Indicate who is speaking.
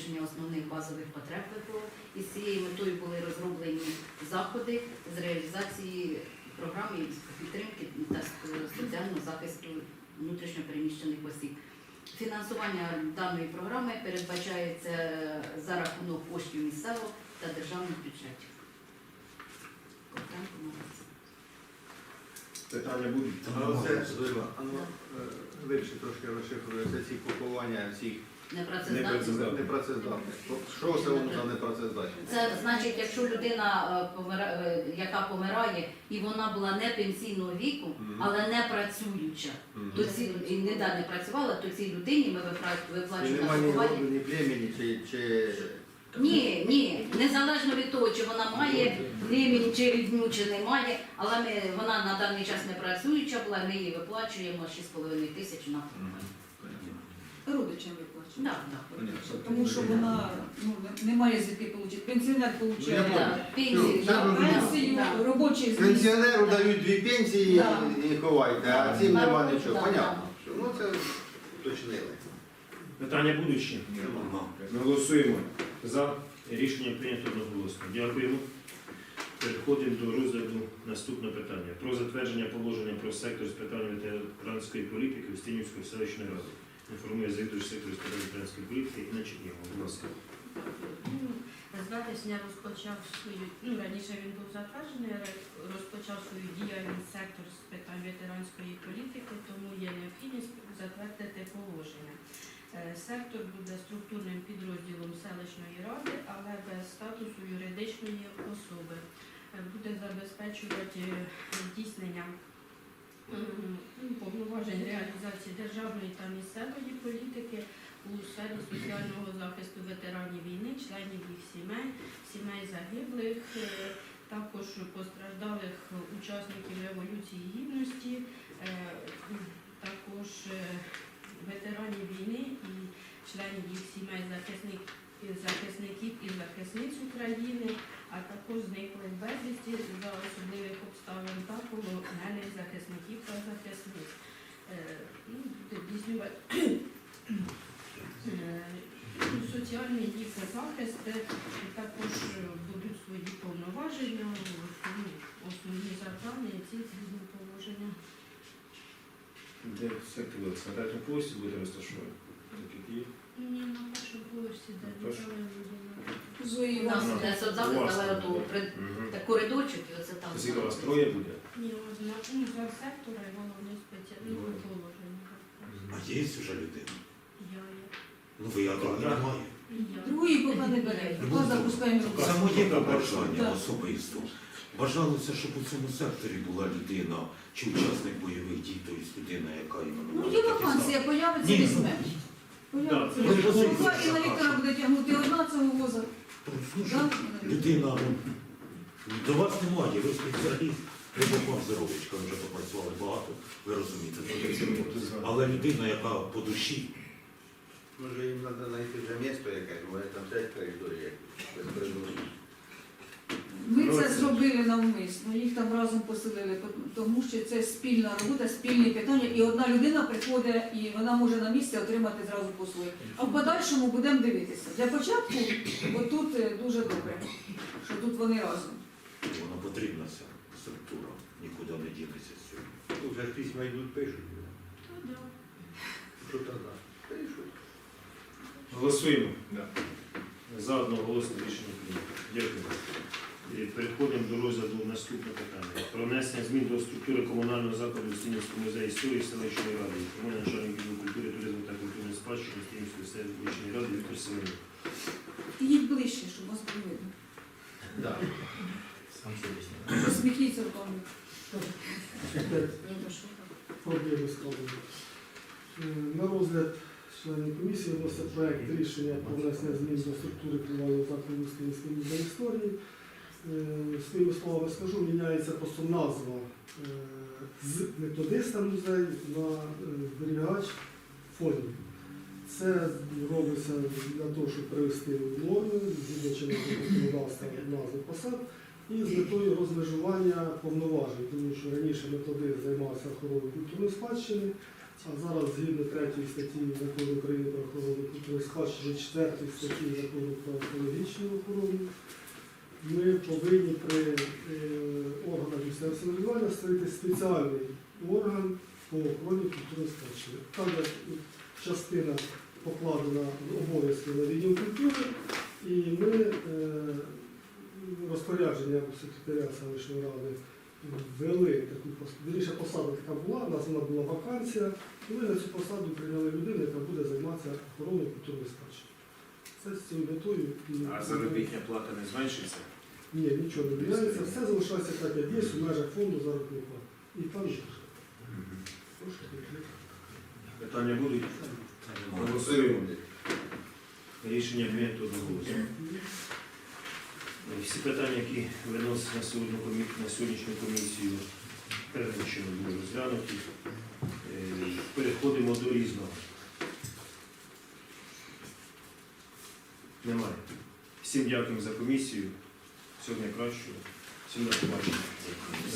Speaker 1: забезпечення основних базових потреб ВПО. І з цією метою були розроблені заходи з реалізації програми підтримки та соціального захисту внутрішньопереміщених осіб. Фінансування даної програми передбачається за рахунок коштів місцевого та державних бюджетів.
Speaker 2: Питання будуть?
Speaker 3: Вирішити трошки розшифрується ці поховання всіх
Speaker 1: Непрацездатних.
Speaker 3: непрацездатних. Що це воно за непрацездатність?
Speaker 1: Це значить, якщо людина, яка помирає, і вона була не пенсійного віку, але не працююча, то і не працювала, то цій людині ми виплачуємо на
Speaker 3: Немає ні
Speaker 1: поховання.
Speaker 3: роду, ні племені, чи...
Speaker 1: Ні, незалежно від того, чи вона має племінь, чи рідню, чи не має, але вона на даний час не працююча була, ми їй виплачуємо 6,5 тисяч на поховання.
Speaker 4: Родичам виплачують.
Speaker 1: Так.
Speaker 4: Тому що вона не має звідки отримати. Пенсіонер отримує пенсію, робочий зміст.
Speaker 3: Пенсіонеру дають 2 пенсії
Speaker 4: Да.
Speaker 3: і ховайте, а цим нема нічого.
Speaker 1: Да,
Speaker 3: Понятно. Ну це уточнили.
Speaker 2: Питання будуть ще? Ми голосуємо за. Рішення прийнято одноголосно. Дякуємо. Переходимо до розгляду наступного питання. Про затвердження положення про сектор з питань ветеранської політики Устинівської селищної ради. Інформує завідувач сектору з питань ветеранської політики Інна Чернігова. Будь ласка.
Speaker 5: З вересня розпочав свою, раніше він був затверджений, розпочав свою діяльність сектор з питань ветеранської політики, тому є необхідність затвердити положення. Сектор буде структурним підрозділом селищної ради, але без статусу юридичної особи. Буде забезпечувати здійснення повноважень реалізації державної та місцевої політики у сфері соціального захисту ветеранів війни, членів їх сімей, сімей загиблих, також постраждалих учасників Революції Гідності, також ветеранів війни і членів їх сімей захисників і захисниць України, а також зниклих безвісті за особливих обставин та полонених захисників та захисниць. Соціальний їх захист також будуть свої повноваження, основні завдання і ці згідні положення.
Speaker 2: Де сектор на третьому поверсі буде розташований?
Speaker 5: Ні, на першому поверсі, де нічого не буде.
Speaker 4: Зої
Speaker 1: У нас
Speaker 4: Іванівна.
Speaker 1: буде соцзахист, але так коридорчик, і оце там.
Speaker 2: Скільки у вас троє буде?
Speaker 5: Ні, одна, за сектора і головне спеціальне положення.
Speaker 6: А є вже людина?
Speaker 5: Я є.
Speaker 6: Ну ви якого немає.
Speaker 5: І я.
Speaker 4: Другої поки не бере. Поки запускаємо руку.
Speaker 6: Це моє побажання
Speaker 4: Так.
Speaker 6: особисто. Бажалося, щоб у цьому секторі була людина, чи учасник бойових дій, тобто людина, яка іменно
Speaker 4: Є вакансія, появиться
Speaker 6: Ні.
Speaker 4: візьме. Появиться.
Speaker 2: Да.
Speaker 4: Поки Інна Вікторовна буде тягнути одна цього воза. Да?
Speaker 6: Людина, до вас немає, ви спеціаліст, Рибаков Здоровичка, ви вже попрацювали багато, ви розумієте. Але людина, яка по душі,
Speaker 3: Може їм треба знайти вже місто якесь, бо вони там сядь в коридорі, як без коридору.
Speaker 4: Ми це зробили навмисно, їх там разом поселили, тому що це спільна робота, спільні питання, і одна людина приходить, і вона може на місці отримати зразу послуги. А в подальшому будемо дивитися. Для початку, отут дуже добре, що тут вони разом.
Speaker 6: вона потрібна ця структура, нікуди не дінеться з цього.
Speaker 3: Ну, вже ж письма йдуть, пишуть.
Speaker 5: Та да.
Speaker 3: Що тоді? Пишуть.
Speaker 2: Голосуємо. За одноголосне рішення прийнято. Дякую. І переходимо до розгляду наступного питання. Про внесення змін до структури комунального закладу Устинівського музею історії селищної ради. Тому начальник відділу культури, туризму та культурної спадщини Устинівської селищної ради Віктор Семенюк.
Speaker 4: Їдь ближче, щоб вас було видно.
Speaker 3: Да.
Speaker 4: Посміхніться руками.
Speaker 7: Проблеми складені. На розгляд членів комісії вноситься проект рішення про внесення змін до структури комунального закладу Устинівської музею історії. Своїми словами скажу, міняється просто назва з методиста музею на зберігач фондів. Це робиться для того, щоб привести в норму, згідно законодавства назви посад, і з метою розмежування повноважень, тому що раніше методист займався охороною культурної спадщини, А зараз згідно 3 статті Закону України про охорону культурної спадщини, 4 статті Закону про екологічну охорону, ми повинні при органах місцевого самоврядування створити спеціальний орган по охороні культурної спадщини. Там є частина покладена обов'язки на відділ культури, і ми розпорядження секретаря селищної ради ввели таку посаду. Посада така була, у нас вона була вакансія, і ми на цю посаду прийняли людину, яка буде займатися охороною культурної спадщини. Це з цією метою.
Speaker 2: А заробітня плата не зменшиться?
Speaker 7: Ні, нічого не міняється, все залишається так, як є, в межах фонду заробітної плати. І там же.
Speaker 2: Питання будуть? Голосуємо. Рішення прийнято одноголосно. Всі питання, які виносять на сьогоднішню комісію, передбачено були розглянуті. Переходимо до різного. Немає. Всім дякуємо за комісію. Всього найкращого. Всім до побачення.